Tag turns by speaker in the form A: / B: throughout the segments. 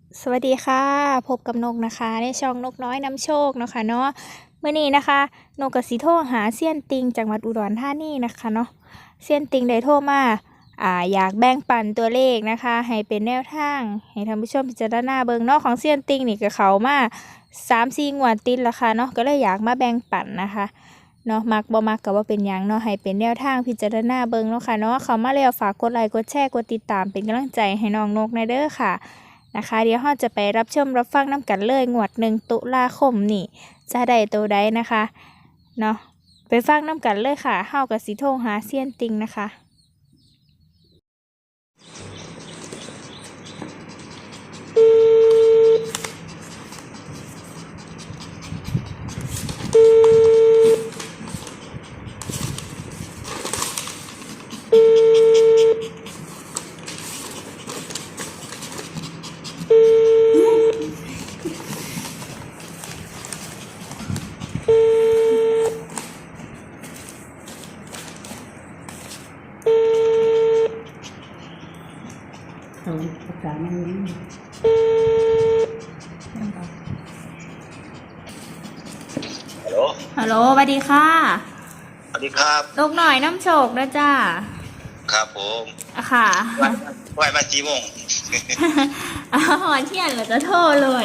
A: สวัสดีค่ะพบกับนกนะคะในช่องนกน้อยนำโชคเนาะค่ะเนาะเมื่อนี้นะคะนกกสิโทรหาเซียนติงจังหวัดอุดรธานีนะคะเนาะเซียนติงได้โทรมาอยากแบ่งปันตัวเลขนะคะให้เป็นแนวทางให้ท่านผู้ชมพิจารณาเบิ่งเนาะของเซียนติงนี่ก็เขามา3-4งวดติดแล้วค่ะเนาะก็เลยอยากมาแบ่งปันนะคะเนาะมักบ่มักก็ว่าเป็นหยังเนาะให้เป็นแนวทางพิจารณาเบิ่งเนาะค่ะเนาะเขามาแล้วฝากกดไลค์กดแชร์กดติดตามเป็นกำลังใจให้น้องนกในเด้อค่ะ นะคะเดี๋ยวเราจะไปรับชมรับฟังน้ำกันเลยงวด1 ตุลาคมนี่จะได้ตัวใดนะคะเนาะไปฟังน้ำกันเลยค่ะเฮากับสิโทรหาเซียนติงนะคะ
B: เอาประกาศนั่งนี้
C: ฮัลโหล
A: ฮัลโหลสวัสดีค่ะ
C: สวัสดีครับ
A: ลูกหน่อยน้ำโชคนะจ้า
C: ครับผม
A: ค่ะ
C: ไหวมากี่โมง
A: หอนเที่ยงเราจะโทรโหลด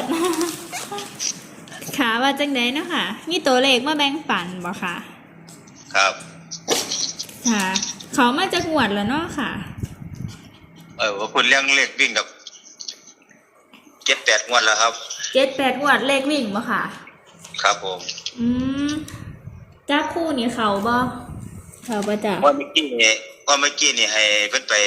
A: ค่ะว่าจังไดเนาะค่ะมีตัวเลขมาแบ่งปันบ่ค่ะ
C: ครับ
A: ค่ะเขามาจากงวดแล้วเนาะค่ะ
C: ว่าคุณเลี้ยงเลขวิ่งกับ7-8 งวดแล้วครับ
A: 7-8งวดเลขวิ่งบ่ค่ะ
C: ครับผม
A: อืมจ้าคู่นี่เขาบ่เขาบ่จ้ะ
C: ว่าเมื่อกี้นี่ให้เพิ่นไป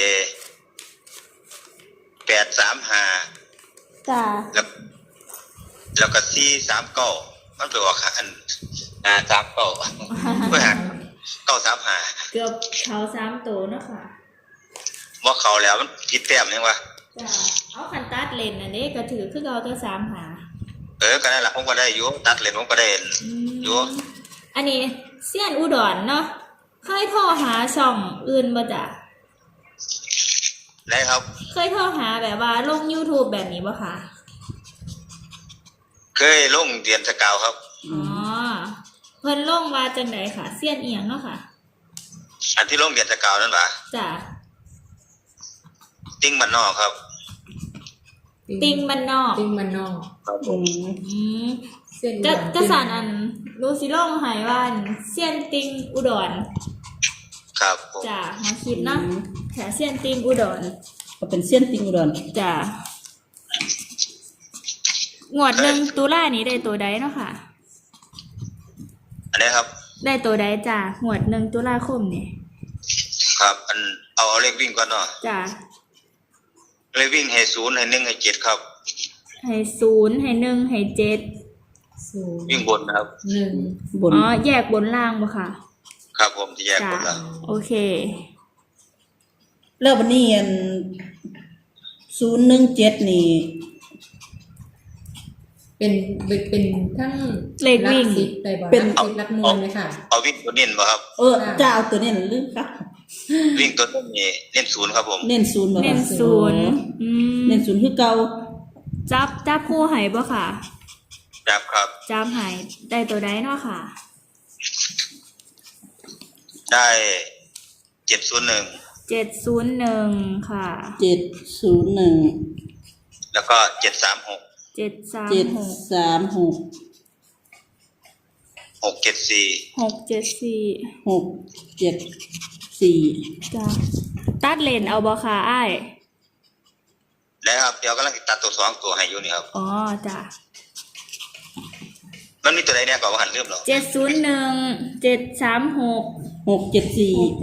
C: 835
A: จ้า
C: แล้วก็439มันไปออกอัน39เพื่อหา935
A: เกือบเขา3ตัวเนาะค่ะ
C: บ่เข้าแล้วมันผิดแต้มยังวะ
A: จ้าเอาคันตัดเลนอันนี้ก็ถือคือเราตัว3หา
C: ก็นั่นล่ะผมก็ได้อยู่ตัดเลนผมก็ได้อยู่
A: อันนี้เซียนอุดรเนาะเคยโทรหาช่องอื่นบ่จ้ะ
C: ได้ครับ
A: เคยโทรหาแบบว่าลง YouTube แบบนี้บ่ค่ะ
C: เคยลงเรียนสกาวครับ
A: อ๋อเพิ่นลงว่าจังไดค่ะเซียนเอียงเนาะค่ะ
C: อันที่ลงเรียนสกาวนั่นล่ะ
A: จ้ะ
C: ติ้งมันนอกครับ
A: ติงมันนอก
B: ติ้งมันนอก
C: ครับผม
A: อืม
B: เส้น
A: ก็สารอันรู้สิลงหายว่าเซียนติงอุดร
C: ครับผม
A: จ้ะมาคิดเนาะแถเซียนติงอุดร
B: ก็เป็นเส้นติ้งอุดร
A: จ้ะงวด1 ตุลานี้ได้ตัวใดเนาะค่ะ
C: อันนี้ครับ
A: ได้ตัวใดจ้ะงวด1 ตุลาคมนี่
C: ครับเอาเลขวิ่งก่อนเนาะ
A: จ้ะ
C: เลขวิ่งให้0ให้1ให้7ครับ
A: ให้0ให้1ให้7
B: 0
C: วิ่งบนนะครับ
B: 1บน
A: อ๋อแยกบนล่างบ่ค่ะ
C: ครับผมจะแยกบน
A: จ้ะ
C: ล่าง
A: โอเค
B: แล้ววันนี้อัน017นี่
D: เป็นทั้ง
A: เลขวิ่ง
D: สิบไปบ่
B: เป็น
D: สิบหลักหน่วยไหมค่ะ
C: เอาวิ่งตัวเน้นบ่ครับ
B: จะเอาตัวเน้นลืมค่ะ
C: วิ่งตัวเน้นนี่เน้น0ครับผม
B: เน้น0บ่
A: เน้น
B: ค่ะ
A: 0อืม
B: เน้น0คือเก่า
A: จับคู่ให้บ่ค่ะ
C: จับครับ
A: จับให้ได้ตัวใดเนาะค่ะ
C: ได้701
A: 701ค่ะ
B: 701
C: แล้วก็736
A: 736
B: 736
C: 674
A: 674
B: 674
A: จ้ะตัดเลนเอาบ่ค่ะอ้าย
C: แล้วครับเดี๋ยวกำลังสิตัดตัว2ตัวให้อยู่นี่ครับ
A: อ๋อจ้ะ
C: มันมีตัวใดเนี่ยก็บ่หันลืมหรอก
A: 701 736
B: 674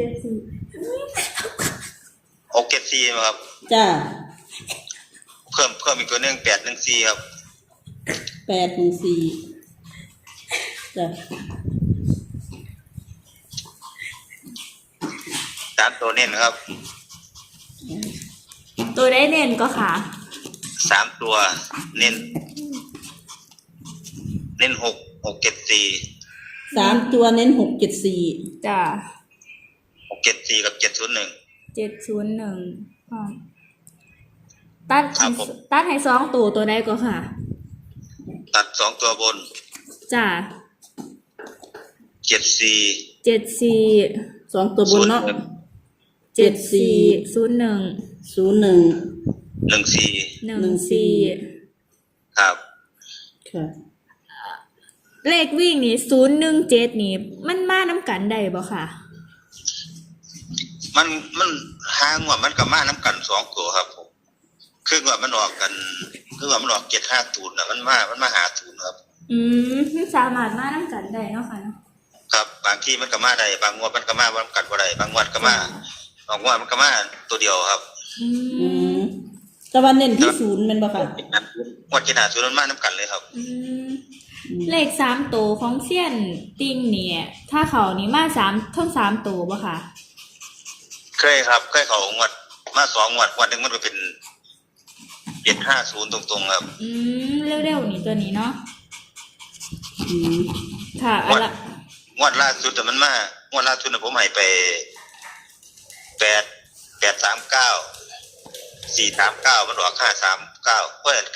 A: 674
C: 674ครับ
B: จ้า
C: เพิ่มอีกตัวหนึง814ครับ
B: 814จ้ะ
C: 3ตัวเน้นครับ
A: ตัวได้เน้นก็ค่ะ
C: 3ตัวเน้น674
B: 3ตัวเน้น674
A: จ้ะ
C: 674กับ701
A: 701อ๋อตัด
C: ครับผม
A: ตัดให้สองตัวใดก็ค่ะ
C: ตัดสองตัวบน
A: จ้า
C: 74
A: 74
B: สองตัวบนเนาะ
A: 74 01
B: 01
A: 14
C: ครับ
B: ค่ะ
A: เลขวิ่งนี่017นี่มันมาน้ำกันได้บ่ค่ะ
C: มันหางว่ามันก็มาน้ำกันสองตัวครับผมคือว่ามันออกกันคือว่ามันออก750น่ะมันมาหาศูนย์ครับ
A: มันสามารถมาน้ำกันได้เนาะค่ะเนาะ
C: ครับบางทีมันก็มาได้บางงวดมันก็มาบ่กันบ่ได้บางงวดก็มาบางงวดมันก็มาตัวเดียวครับ
B: อืมแต่ว่าเน้นที่ศูนย์แม่นบ่ค่ะ
C: งวด750มันมาน้ำกันเลยครับ
A: เลข3ตัวของเซียนติงเนี่ยถ้าเขานี่มาทั้ง3ตัวบ่ค่ะ
C: เคยครับเคยเขางวดมา2งวดงวดหนึงมันก็เป็น750ตรงๆครับ
A: เร็วๆนี่ตัวนี้เนาะ
B: อืม
A: ค่ะอะละ
C: งวดล่าสุดแต่มันมางวดล่าสุดน่ะผมให้ไป839 มันออก539เพิ่น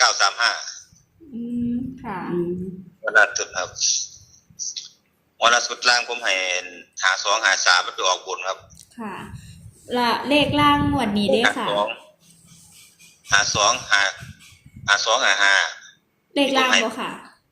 C: 935
A: ค่ะ
B: อืม
C: งวดล่าสุดครับงวดล่าสุดล่างผมให้5253มันไปออกบนครับ
A: ค่ะละเลขล่างงวดนี้เด้ค่ะ
C: 52
A: เลขล่างบ่ค่ะ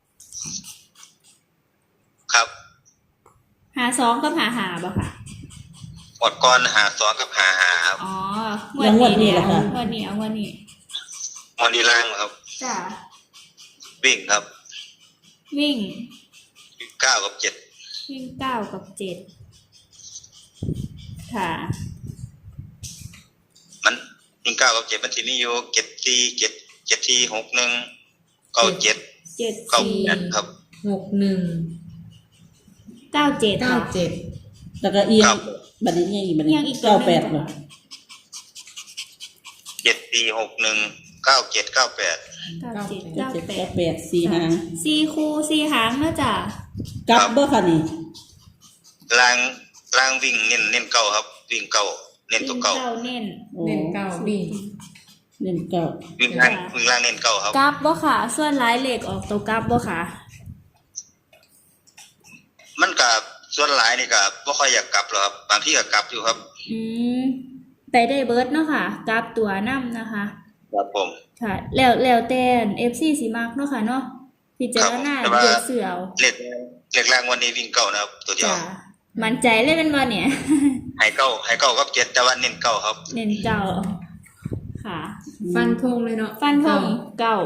C: ครับ
A: 52กับ55บ่ค่ะ
C: งวดก่อน52กับ55ครับ
A: อ๋องวดนี้เนี่ยงวดนี้เอางวดนี้
C: งวดนี้ล่างครับ
A: จ้ะ
C: วิ่งครับ
A: วิ่ง
C: 9กับ7
A: วิ่ง9กับ7ค่ะ
C: มันวิ่ง9กับ7มันสิมีอยู่7 4 7 61 97 98ครับ
D: 61
A: 97ค่ะ
D: 97
B: แล้วก็เอีย
C: ครั
B: ง
C: บ
B: บัดนี้ยังอีกบัด
A: เอี
B: นี้
A: ยงอีกตัวหนึ่ง
B: 98บ่
C: 7461 97 98
B: 98 4หาง
A: 4คู่4หางเนาะจ้ะ
B: กลับบ่ค่ะนี่
C: ล่างวิ่งเน้นเก่าครับ วิ่งเก่าเน้นตัวเก่า
A: เน้น
B: โอ้
D: เน้นเก้าวิ่ง
B: เน้นเก้า
C: วิ่งล่างเน้นเก่าครับ
A: กลับบ่ค่ะ ส่วนหลายเลขออกตัวกลับบ่ค่ะ
C: มันกับส่วนหลายนี่ก็บ่ค่อยอยากกลับหรอกครับบางที่ก็กลับอยู่ครับ
A: ไปได้เบิร์ดเนาะค่ะกลับตัวนํนะคะ
C: ครับผม
A: ค่ะ แล้วแต่ FC สิมักเนาะค่ะเนาะพิจารณา
C: ครับแต่ว่า
A: เลือกเสือเอา
C: เลขล่างวันนี้วิ่งเก่านะครับ ตัวเดียว
A: จ้ะมั่นใจเลยเป็นบ่เนี่ย
C: ให้เก่ากับ7แต่ว่าเน้นเก่าครับ
A: เน้นเก่าค่ะ
D: ฟันธงเลยเนาะ
A: ฟันธงเก่า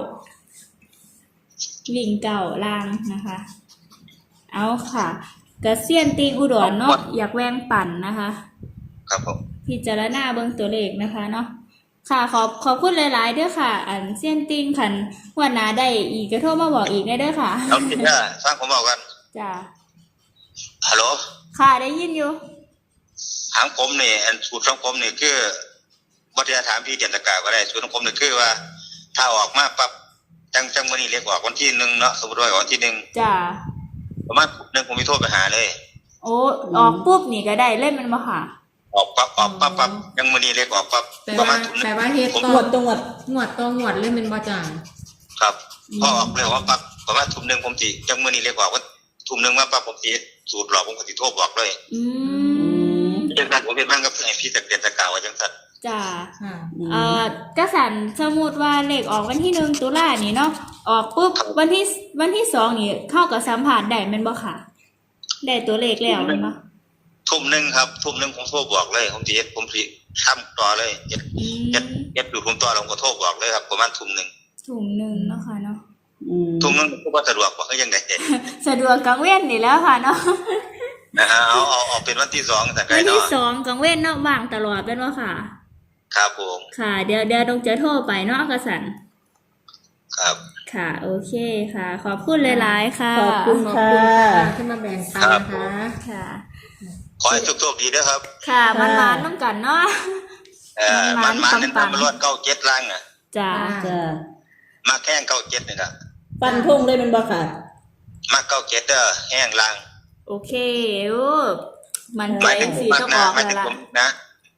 A: วิ่งเก่าล่างนะคะ เอาค่ะกระเซียนติงอุดรเนาะอยากแวงปั่นนะคะ
C: ครับผม
A: พิจารณาเบิ่งตัวเลขนะคะเนาะค่ะขอบคุณหลายๆเด้อค่ะ อันเซียนติงคันวันหน้าได้อีกก็โทรมาบอกอีกได้เด้อค่ะ
C: เอาทีนี้ฟังผมบอกกัน
A: จ้า
C: ฮัลโหล
A: ค่ะได้ยินอยู่
C: ถามผมนี่อันสูตรของผมนี่คือวัฒนธรรมพี่เดียนตะกาก็ได้สูตรของผมนี่คือว่า ถ้าออกมาปั๊บจังวันนี้เรียกออกวันที่1เนาะสมมติว่าออกวันที่1
A: จ้า
C: ประมาณ1ผมมีโทรไปหาเลย
A: โอ้ออกปุ๊บนี่ก็ได้เล่นมันบ่ค่ะ
C: ออกปั๊บยังวันนี้เรียกออกปั๊บ
D: แต่
C: ประมา
D: ว่า
C: ณทุ่มหนึง
D: แต่ว่าเฮ็ด
C: ผม
D: ต่
B: ง
D: อ
B: วดตรงวด
D: งวดต่องวดเลยเป็นบ่จ่าง
C: ครับพอออกเรียกว่าปั๊บประมาณทุ่มหนึงผมสิจังวันนี้เรียกออกว่าทุ่มหนึงมาปั๊บผมสิสูตรหลอกผมก็สิโทรบอกเลย
A: อืม
C: จังซั่นผมเป็นบ้างกับไอ้พี่ตะเกียนตะกาว่าจังซั่น
A: จ้า
D: ค่ะ
A: กระสันสมมุติว่าเลขออกวันที่1ตุลานี่เนาะออกปุ๊บวันที่2นี่เข้ากับสัมผัสได้แม่นบ่ค่ะ ได้ตัวเลขแล้วแม่นบ่
C: ทุ่มหนึงครับทุ่มหนึงผมโทรบอกเลยผมสิเฮ็ดผมสิทำต่อเลยเฮ็ดอยู่ผมต่อแล้วผมก็โทรบอกเลยครับประมาณทุ่มหนึง
A: ถุงหนึ่งเนาะค่ะเนาะ
B: อืม
C: ทุ่มหนึงก็บ่สะดวกบ่คือจังได๋
A: สะดวกกลางเว้นนี่แล้วค่ะเนาะ
C: นะฮะเอาเป็นวันที่2แต่ไกล
A: วันที่
C: เนาะ
A: 2กลางเว้นเนาะว่างตลอดเป็นว่าค่ะ
C: ครับผม
A: ค่ะเดี๋ยวต้องจะโทรไปเนาะกระสัน
C: ครับ
A: ค่ะโอเคค่ะ ขอบคุณหลายๆค่ะ
B: ขอบคุณ
D: ขอบ
B: ค่ะ
D: คุณค่ะที่มาแบ่งปันนะคะ
A: ค่ะ
C: ขอให้โชคดีเด้อครับ
A: ค่ะมันมาน้ำกันเนาะ
C: มัน
A: ปังๆ
C: เน้นตามรวด97ล่างน่ะ
A: จ้า
B: จ้า
C: มาแข้ง97นี่ล่ะ
B: ฟันธงเลยแมันบ่ค่ะ
C: มา97เด้อแห้งล่าง
A: โอเคโอ้มัน
C: ห
A: ใจ
C: มายถึง
A: สี
C: มาก
A: ต้อง
C: นะ
A: ออก
C: หมาย
A: แล้ว
C: ถึง
A: ล่ะ
C: ผมนะ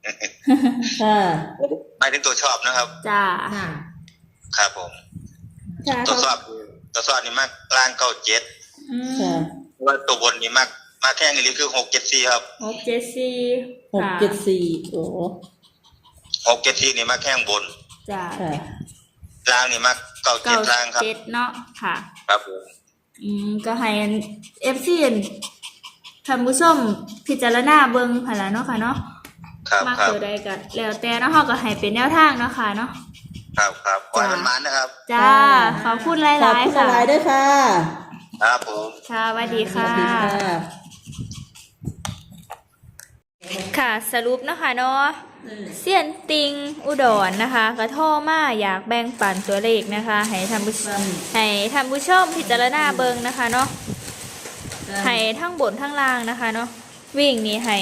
B: ค่ะ
C: หมายถึงตัวชอบนะครับ
A: จ้า
D: ค่ะ
C: ครับผม
A: จ้า
C: ตัวชอบนี่มากกลาง97
B: ค่ะ
C: ว่าตัวบนนี่มากแค่นี้คือ674ครับ
A: 674
B: 674โอ้
C: 674นี่มากแค่บน
A: จ้า
B: ค่ะ
C: ล่างนี่มาก97ล่างครับ
A: 97เนาะค่ะ
C: ครับผม
A: ก็ให้ FC ท่านผู้ชมพิจารณาเบิ่งหั่นล่ะเนาะค่ะเนาะ
C: ครับ
A: มาก
C: ครับ
A: ตัวใดก็แล้วแต่เนาะเฮาก็ให้เป็นแนวทางเนาะค่ะเนาะ
C: ครับขอให้มันนะครับ
A: จ้า ขอบคุณห
B: ขอบ
A: ลาย
B: คุณ
A: ๆค่ะ
B: หลายด้วยค่ะ
C: ครับผม
A: ค่ะสวัสดี
B: ส
A: ค่ะ
B: วัสดีค่ะ
A: ค่ะสรุปนะคะเนาะเซียนติงอุดรนะคะกระโทรมาอยากแบ่งปันตัวเลขนะคะให้ท่านผู้ชมพิจารณาเบิ่งนะคะเนาะให้ทั้งบนทั้งล่างนะคะเนาะวิ่งนี่ให้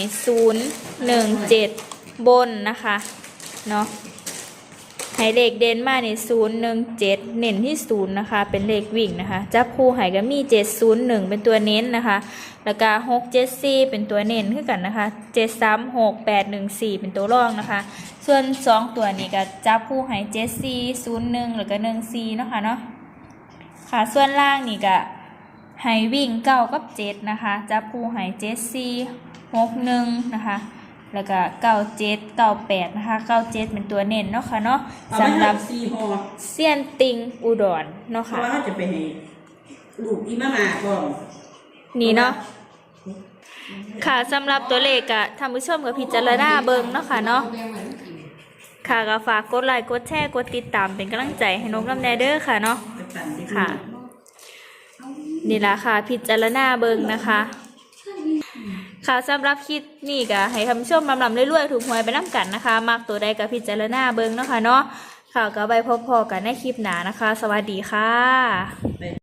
A: 017บนนะคะเนาะให้เลขเด่นมาใน017เน้นที่0นะคะเป็นเลขวิ่งนะคะจับคู่ให้ก็มี701เป็นตัวเน้นนะคะแล้วก็674เป็นตัวเน้นคือกันนะคะ736 814เป็นตัวรองนะคะส่วน2ตัวนี้ก็จับคู่ให้7401แล้วก็14เนาะค่ะเนาะค่ะส่วนล่างนี่ก็ให้วิ่ง9กับ7นะคะจับคู่ให้74 61นะคะแล้วก็97 98นะคะ97เป็นตัวเน้นเนาะค่ะเนาะสำหรับ
B: 4ห่อ
A: เซียนติงอุดรเนาะ
B: เพ
A: ค่ะ
B: ราะว่าเขาจะไปให้ลูกอีมามาก่อน
A: นี่เนาะค่ะสำหรับตัวเลขอะท่านผู้ชมกับพิจารณาเบิ่งเนาะค่ะเนาะค่ะก็ฝากกดไลค์กดแชร์กดติดตามเป็นกำลังใจให้นกน้ำแนเด้อค่ะเนาะ
B: ไปปั่นที่
A: ค่ะ นี่ล่ะค่ะพิจารณาเบิ่งนะคะ ค่ะสำหรับคลิปนี้ก็ให้ท่านผู้ชมลำๆเรื่อยๆถูกหวยไปน้ำกันนะคะมักตัวใดก็พิจารณาเบิ่งเนาะค่ะเนาะค่ะก็ไปพบๆกันในคลิปหน้านะคะ สวัสดีค่ะ